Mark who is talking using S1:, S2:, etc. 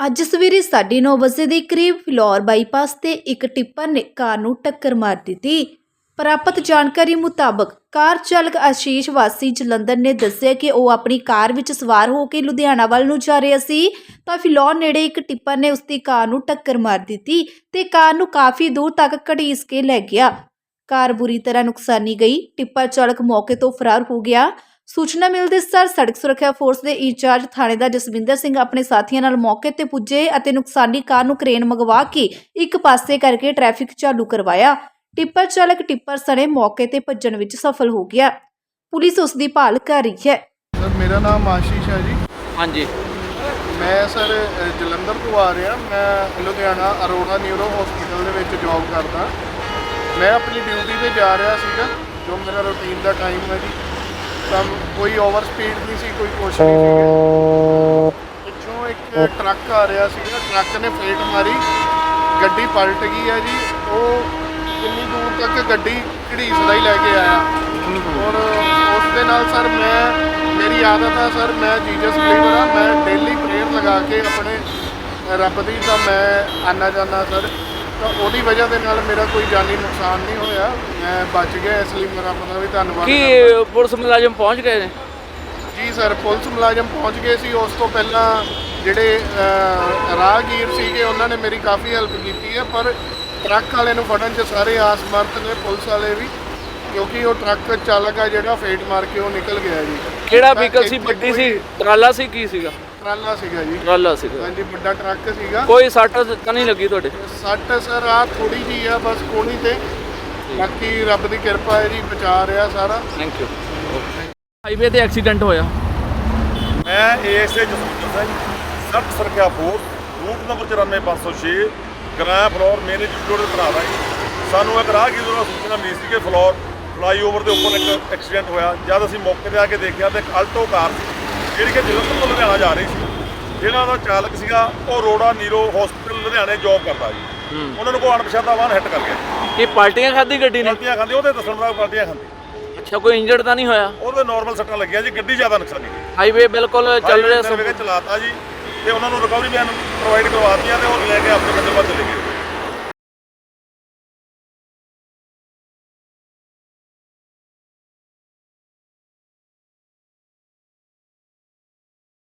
S1: ਅੱਜ ਸਵੇਰੇ 9:30 ਵਜੇ ਦੇ ਕਰੀਬ ਫਿਲੌਰ ਬਾਈਪਾਸ ਤੇ ਇੱਕ ਟਿੱਪਰ ਨੇ ਕਾਰ ਨੂੰ ਟੱਕਰ ਮਾਰ ਦਿੱਤੀ। ਪ੍ਰਾਪਤ ਜਾਣਕਾਰੀ ਮੁਤਾਬਕ ਕਾਰ ਚਾਲਕ ਆਸ਼ੀਸ਼ ਵਾਸੀ ਜਲੰਧਰ ਨੇ ਦੱਸਿਆ ਕਿ ਉਹ ਆਪਣੀ ਕਾਰ ਵਿੱਚ ਸਵਾਰ ਹੋ ਕੇ ਲੁਧਿਆਣਾ ਵੱਲ ਨੂੰ ਜਾ ਰਿਹਾ ਸੀ ਤਾਂ ਫਿਲੌਰ ਨੇੜੇ ਇੱਕ ਟਿੱਪਰ ਨੇ ਉਸਦੀ ਕਾਰ ਨੂੰ ਟੱਕਰ ਮਾਰ ਦਿੱਤੀ ਤੇ ਕਾਰ ਨੂੰ ਕਾਫੀ ਦੂਰ ਤੱਕ ਘੜੀਸ ਕੇ ਲੈ ਗਿਆ। ਕਾਰ ਬੁਰੀ ਤਰ੍ਹਾਂ ਨੁਕਸਾਨੀ ਗਈ। ਟਿੱਪਰ ਚਾਲਕ ਮੌਕੇ ਤੋਂ ਫਰਾਰ ਹੋ ਗਿਆ। ਸੂਚਨਾ ਮਿਲਦੇ ਸਾਰ ਸੜਕ ਸੁਰੱਖਿਆ ਫੋਰਸ ਦੇ ਇੰਚਾਰਜ ਥਾਣੇਦਾਰ ਜਸਵਿੰਦਰ ਸਿੰਘ ਆਪਣੇ ਸਾਥੀਆਂ ਨਾਲ ਮੌਕੇ ਤੇ ਪੁੱਜੇ ਅਤੇ ਨੁਕਸਾਨੀ ਕਾਰ ਨੂੰ ਕ੍ਰੇਨ ਮੰਗਵਾ ਕੇ ਇੱਕ ਪਾਸੇ ਕਰਕੇ ਟ੍ਰੈਫਿਕ ਚਾਲੂ ਕਰਵਾਇਆ। ਟਿੱਪਰ ਚਾਲਕ ਟਿੱਪਰ ਸਣੇ ਮੌਕੇ ਤੇ ਭੱਜਣ ਵਿੱਚ ਸਫਲ ਹੋ ਗਿਆ। ਪੁਲਿਸ ਉਸ ਦੀ ਭਾਲ ਕਰ ਰਹੀ ਹੈ।
S2: ਸਰ ਮੇਰਾ ਨਾਮ ਆਸ਼ੀਸ਼ ਹੈ ਜੀ।
S3: ਹਾਂਜੀ,
S2: ਮੈਂ ਸਰ ਜਲੰਧਰ ਤੋਂ ਆ ਰਿਹਾ। ਮੈਂ ਲੁਧਿਆਣਾ ਅਰੋੜਾ ਨਿਊਰੋ ਹਸਪੀਟਲ ਦੇ ਵਿੱਚ ਜੌਬ ਕਰਦਾ। ਮੈਂ ਆਪਣੀ ਡਿਊਟੀ ਤੇ ਜਾ ਰਿਹਾ ਸੀਗਾ, ਜੋ ਮੇਰਾ ਰੂਟੀਨ ਦਾ ਟਾਈਮ ਹੈ ਜੀ। ਤਾਂ ਕੋਈ ਓਵਰ ਸਪੀਡ ਨਹੀਂ ਸੀ, ਕੋਈ ਕੁਛ ਨਹੀਂ ਸੀਗਾ। ਪਿੱਛੋਂ ਇੱਕ ਟਰੱਕ ਆ ਰਿਹਾ ਸੀਗਾ, ਟਰੱਕ ਨੇ ਫੇਟ ਮਾਰੀ, ਗੱਡੀ ਪਲਟ ਗਈ ਹੈ ਜੀ। ਉਹ ਕਿੰਨੀ ਦੂਰ ਤੱਕ ਗੱਡੀ ਘੜੀਸਦਾ ਹੀ ਲੈ ਕੇ ਆਇਆ। ਔਰ ਉਸ ਦੇ ਨਾਲ ਸਰ ਮੇਰੀ ਆਦਤ ਹੈ ਸਰ, ਮੈਂ ਜੀਸਸ ਬਿਲੀਵਰ ਹਾਂ। ਮੈਂ ਡੇਲੀ ਪ੍ਰੇਅਰ ਲਗਾ ਕੇ ਆਪਣੇ ਰੱਬ ਦੀ ਤਾਂ ਮੈਂ ਆਨਾ ਜਾਂਦਾ ਸਰ। ਤਾਂ ਉਹਦੀ ਵਜ੍ਹਾ ਦੇ ਨਾਲ ਮੇਰਾ ਕੋਈ ਜਾਨੀ ਨੁਕਸਾਨ ਨਹੀਂ ਹੋਇਆ, ਮੈਂ ਬਚ ਗਿਆ। ਇਸ ਲਈ ਮੇਰਾ ਰੱਬ ਦਾ ਵੀ ਧੰਨਵਾਦ।
S3: ਕੀ ਪੁਲਿਸ ਮੁਲਾਜ਼ਮ ਪਹੁੰਚ ਗਏ ਨੇ?
S2: ਜੀ ਸਰ, ਪੁਲਿਸ ਮੁਲਾਜ਼ਮ ਪਹੁੰਚ ਗਏ ਸੀ। ਉਸ ਤੋਂ ਪਹਿਲਾਂ ਜਿਹੜੇ ਰਾਹਗੀਰ ਸੀਗੇ ਉਹਨਾਂ ਨੇ ਮੇਰੀ ਕਾਫੀ ਹੈਲਪ ਕੀਤੀ ਹੈ, ਪਰ ਟਰੱਕ ਵਾਲੇ ਨੂੰ ਫੜਨ 'ਚ ਸਾਰੇ ਆਸਮਰਥ ਨੇ, ਪੁਲਿਸ ਵਾਲੇ ਵੀ, ਕਿਉਂਕਿ ਉਹ ਟਰੱਕ ਚਾਲਕ ਆ ਜਿਹੜਾ ਫੇਟ ਮਾਰ ਕੇ ਉਹ ਨਿਕਲ ਗਿਆ ਜੀ।
S3: ਕਿਹੜਾ ਵਹੀਕਲ ਸੀ? ਵੱਡੀ ਸੀ, ਟਰਾਲਾ ਸੀ, ਕੀ ਸੀਗਾ?
S2: ਟਰਾਲਾ ਸੀਗਾ ਜੀ।
S3: ਟਰਾਲਾ ਸੀਗਾ।
S2: ਹਾਂਜੀ, ਵੱਡਾ ਟਰੱਕ ਸੀਗਾ।
S3: ਕੋਈ ਸੱਟ ਤਾਂ ਨਹੀਂ ਲੱਗੀ ਤੁਹਾਡੇ?
S2: ਸੱਟ ਸਰ ਆ ਥੋੜੀ ਜਿਹੀ ਆ ਬਸ ਕੋਣੀ ਤੇ, ਬਾਕੀ ਰੱਬ ਦੀ ਕਿਰਪਾ ਹੈ ਜੀ, ਬਚਾ ਰਿਹਾ ਸਾਰਾ।
S3: Thank you. ਹਾਈਵੇ ਤੇ ਐਕਸੀਡੈਂਟ ਹੋਇਆ।
S4: ਮੈਂ ਏਐਸਏ ਜਸਵਿੰਦਰ ਸਿੰਘ, ਸੜਕ ਸੁਰੱਖਿਆ ਫੋਰਸ, ਰੂਟ ਨੰਬਰ 94506, ਗ੍ਰਾਂ ਫਲੋਰ ਮੈਨੇਜਮੈਂਟ ਦੇ ਭਰਾ ਦਾ ਜੀ। ਸਾਨੂੰ ਇੱਕ ਰਾਹਗੀਰ ਵੱਲੋਂ ਸੂਚਨਾ ਮਿਲੀ ਸੀ ਕਿ ਫਲੋਰ ਫਲਾਈਓਵਰ ਦੇ ਉੱਪਰ ਇੱਕ ਐਕਸੀਡੈਂਟ ਹੋਇਆ। ਜਦ ਅਸੀਂ ਮੌਕੇ 'ਤੇ ਆ ਕੇ ਦੇਖਿਆ ਤਾਂ ਇੱਕ ਆਲਟੋ ਕਾਰ ਸੀ ਜਿਹੜੀ ਕਿ ਜਲੰਧਰ ਤੋਂ ਲੁਧਿਆਣਾ ਜਾ ਰਹੀ ਸੀ। ਜਿਹਨਾਂ ਦਾ ਚਾਲਕ ਸੀਗਾ ਉਹ ਅਰੋੜਾ ਨੀਰੋ ਹਸਪੀਟਲ ਲੁਧਿਆਣੇ ਜੌਬ ਕਰਦਾ ਜੀ। ਉਹਨਾਂ ਨੂੰ ਕੋਈ ਅਣਪਛਾਤਾ ਵਾਹਨ ਹਿੱਟ ਕਰ ਗਿਆ।
S3: ਇਹ ਪਾਲਟੀਆਂ ਖਾਧੀ ਗੱਡੀ ਨੇ?
S4: ਪਾਲਟੀਆਂ ਖਾਂਦੀ, ਉਹਦੇ ਦੱਸਣ ਮੁਤਾਬਕ ਪਾਲਟੀਆਂ ਖਾਂਦੀ।
S3: ਅੱਛਾ, ਕੋਈ ਇੰਜਰਡ ਤਾਂ ਨਹੀਂ ਹੋਇਆ?
S4: ਉਹਦੇ ਨਾਰਮਲ ਸੱਟਾਂ ਲੱਗੀਆਂ ਜੀ, ਗੱਡੀ ਜ਼ਿਆਦਾ ਨੁਕਸਾਨੀ ਗਈ।
S3: ਹਾਈਵੇ ਬਿਲਕੁਲ ਚੱਲ ਰਿਹਾ
S4: ਸੀ, ਚਲਾਤਾ ਜੀ, ਤੇ ਉਹਨਾਂ ਨੂੰ ਰਿਕਵਰੀ ਵੈਨ ਪ੍ਰੋਵਾਈਡ ਕਰਵਾਤੀਆਂ ਤੇ ਉਹ ਲੈ ਕੇ ਆਪਣੇ